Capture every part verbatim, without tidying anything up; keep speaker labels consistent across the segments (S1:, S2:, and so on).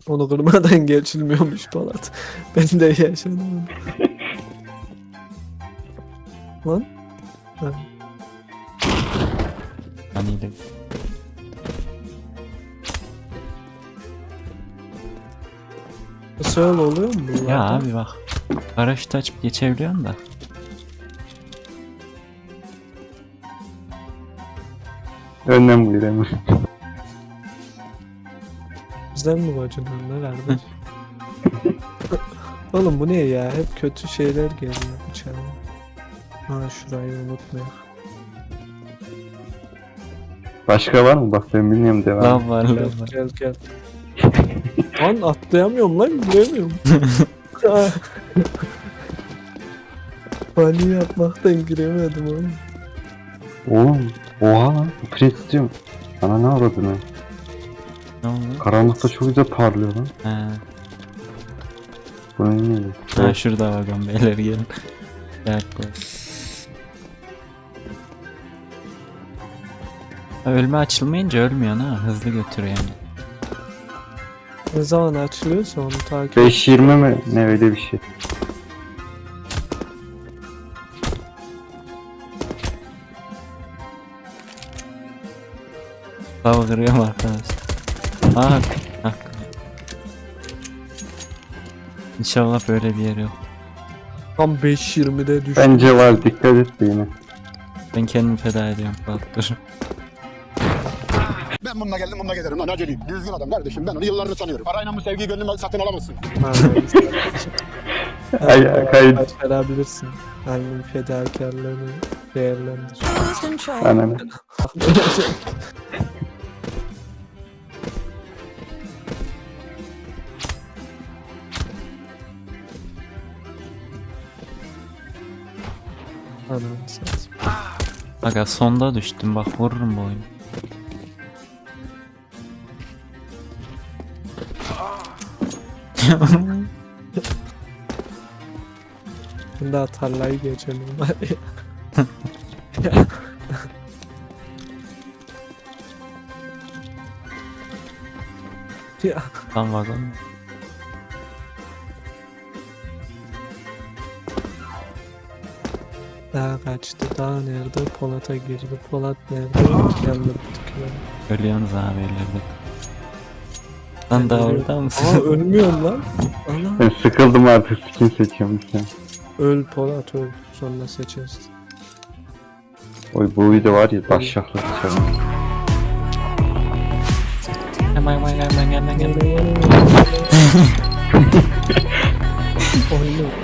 S1: Onu kırmadan geçilmiyormuş Polat. Ben de yaşadım. Lan. Ha.
S2: Hani de.
S1: Nasıl öyle oluyor mu bunlar?
S2: Ya abi bak. Paraşüt açıp geçebiliyorsun da.
S3: Önden buyur hemen.
S1: Bizden mi bacınlar kardeş? Oğlum bu ne ya? Hep kötü şeyler geliyor bıçağa. Ha şurayı unutmayalım.
S3: Başka var mı? Bak ben bilmiyorum, devam.
S2: Lav var
S1: Gel
S2: lav var.
S1: gel gel. Lan atlayamıyorum lan giremiyorum. Bani yapmaktan giremedim oğlum.
S3: Oğlum oha lan. Pres istiyorum. Sana ne aradın ha?
S2: Ne oldu?
S3: Karanlıkta çok güzel parlıyor lan.
S2: He.
S3: Bu neydi?
S2: Ha şurada vagon beyler gelin. Gel koy. Ha, ölme açılmayınca ölmüyor ha. Hızlı götürüyor yani.
S1: Ne zaman açılıyorsa onu takip et.
S3: beş yirmi mi? Ne öyle bir şey.
S2: Hava kırıyorum arkadaş. Ah, ah. İnşallah böyle bir yer yok.
S1: Tam beş yirmide düştü.
S3: Bence var, dikkat et de yine.
S2: Ben kendimi feda ediyorum. Bak dur.
S4: Ben bununla geldim, bununla giderim lan, aceleyim. Düzgün adam kardeşim, ben onu yıllarını tanıyorum. Parayla bu sevgiyi gönlümden satın alamazsın.
S3: Ay, ay, kayıt.
S1: Başarabilirsin. Hangi fedakarlığını değerlendir.
S3: Ananı.
S1: Ananı satayım.
S2: Aga sonda düştüm bak vururum bu oyunu.
S1: Şimdi daha tarlayı geçelim hadi. Ya
S2: Tam vagon.
S1: daha kaçtı, daha nerede? Polat'a girdi. Polat nerede? Yandırdık ya.
S2: Ölüyorsunuz abi ellerde. Lan daha orada mısın?
S1: Aa ölmüyorum lan. Ana.
S3: Ben sıkıldım artık, skin seçiyorum işte.
S1: Öl Polat öl. Sonra seçeriz.
S3: Oy bu video var ya, taşşaklı dışarı.
S2: Hemen hemen hemen hemen hemen.
S1: Oynuyor.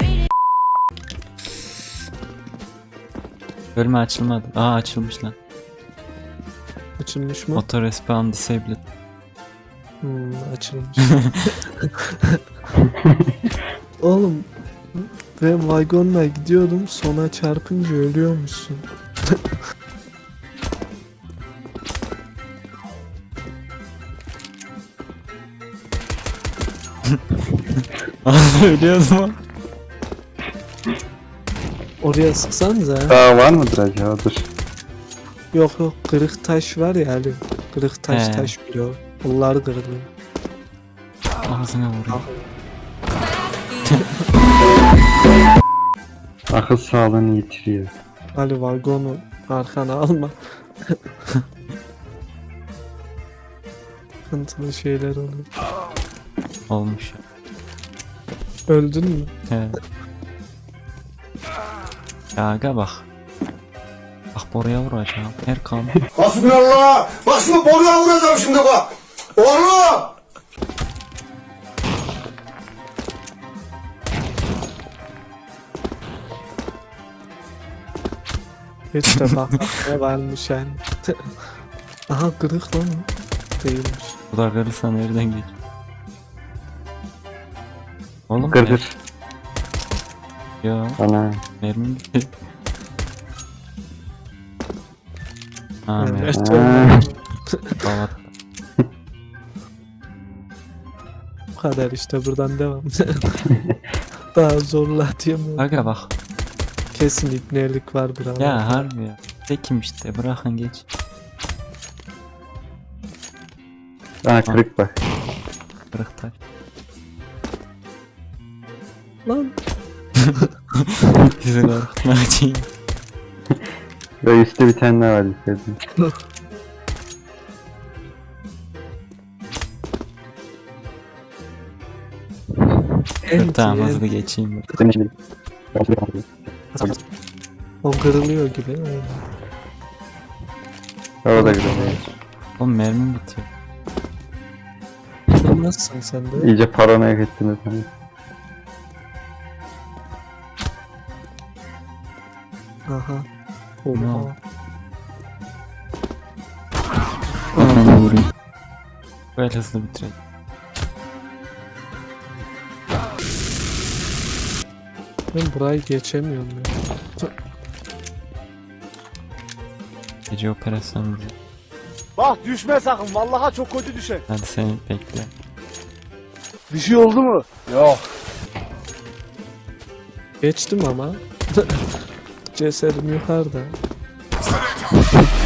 S2: Ölme açılmadı. Aa açılmış lan.
S1: Açılmış mı?
S2: Auto respawn disabled.
S1: Hmm, açılmış. Oğlum ben vagonla gidiyordum, sona çarpınca ölüyormuşsun.
S2: Ölüyoruz mu?
S1: Oraya sıksanıza.
S3: Daha var mıdır acaba? Dur.
S1: Yok yok, kırık taş var ya Ali. Kırık taş
S2: He.
S1: taş biliyor. Onlar kırılıyor.
S2: Ağzına vurayım.
S3: Akıl sağlığını yitiriyor.
S1: Ali vagonu arkana alma. Sıkıntılı şeyler oluyor.
S2: Olmuş.
S1: Öldün mü?
S2: He. Ya aga bak. Bak buraya vuracağım. Erkan.
S4: Hasbinallah! Bak şimdi boruya vuracağım şimdi bak! Oğlum!
S1: Hiç de bak ne varmış yani. Aha kırık lan o. Değilmiş.
S2: Bu da kırılsa nereden geç? Oğlum
S3: Kır
S2: ya.
S3: kır.
S2: Ya
S3: Ana.
S2: mermim gitti. Ha mermi.
S1: Evet,
S3: Ha.
S1: öyle.
S2: Balat.
S1: Bu kadar işte, buradan devam. Daha zorla diyemiyorum.
S2: Aga bak.
S1: Kesin ibnelik var burada.
S2: Ya harbi ya. Tekim işte bırakın geç.
S3: Ana kırık bak.
S2: Kırık taş.
S1: Lan.
S2: Bizi korkutmak için.
S3: Ve üstte bir tane daha var istedim.
S2: Dur tamam hızlı geçeyim.
S3: Senin için
S1: O kırılıyor gibi.
S3: o da güzel.
S2: Oğlum mermim bitiyor.
S1: Kırılmazsın sen de.
S3: İyice paranoya ettin efendim.
S1: Aha.
S2: Ne
S1: Oha.
S2: oldu? Ananı vurayım. Böyle hızlı bitirelim.
S1: Ben burayı geçemiyorum ya.
S2: Gece operasyonu.
S5: Bak düşme sakın. Vallahi çok kötü düşer.
S2: Hadi seni bekle.
S5: Bir şey oldu mu? Yok.
S1: Geçtim ama. Cesedim yukarıda.